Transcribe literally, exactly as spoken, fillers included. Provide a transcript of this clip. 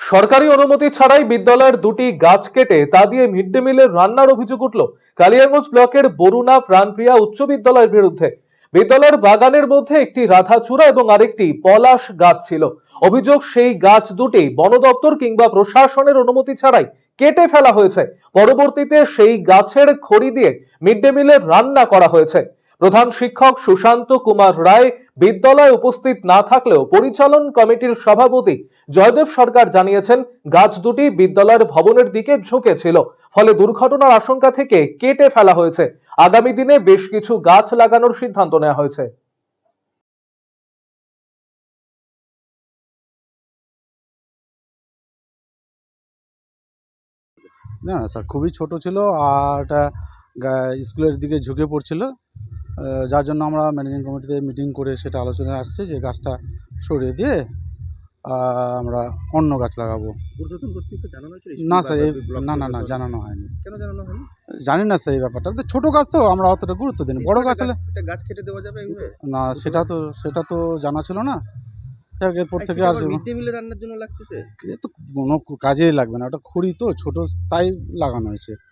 সরকারি অনুমতি ছাড়াই বিদ্যালয়ের দুটি গাছ কেটে তা দিয়ে মিড ডে মিলের রান্নার অভিযোগ উঠল কালিয়াগঞ্জ ব্লকের বরুণা প্রাণপ্রিয়া উচ্চ বিদ্যালয়ের বিরুদ্ধে। বিদ্যালয়ের বাগানের মধ্যে একটি রাধাচূড়া এবং আরেকটি পলাশ গাছ ছিল। অভিযোগ, সেই গাছ দুটি বন দপ্তর কিংবা প্রশাসনের অনুমতি ছাড়াই কেটে ফেলা হয়েছে। পরবর্তীতে সেই গাছের খড়ি দিয়ে মিড ডে মিলের রান্না করা হয়েছে। প্রধান শিক্ষক সুশান্ত কুমার রায় বিদ্যালয়ে উপস্থিত না থাকলেও পরিচালন কমিটির সভাপতি জয়দেব সরকার জানিয়েছেন, গাছ দুটি বিদ্যালয়ের ভবনের দিকে ঝুঁকে ছিল, ফলে দুর্ঘটনার আশঙ্কা থেকে কেটে ফেলা হয়েছে। আগামী দিনে বেশ কিছু গাছ লাগানোর সিদ্ধান্ত নেওয়া হয়েছে। না, না স্যার, খুবই ছোট ছিল আর এটা স্কুলের দিকে ঝুঁকে পড়ছিল, যার জন্য আমরা ম্যানেজিং কমিটিতে মিটিং করে সেটা আলোচনায় আসছে যে গাছটা সরিয়ে দিয়ে আমরা অন্য গাছ লাগাবো। না স্যার, এই না না না জানানো হয়নি। কেন জানানো হয়নি জানি না স্যার এই ব্যাপারটা। ছোট গাছ তো আমরা অতটা গুরুত্ব দিই না। বড় গাছ হলে গাছ কেটে দেওয়া যাবে না, সেটা তো সেটা তো জানা ছিল না। এরপর থেকে আর মিড ডে মিলে রান্নার জন্য লাগতেছে, তো কোনো কাজেই লাগবে না, ওটা খড়ি তো ছোট, তাই লাগানো হয়েছে।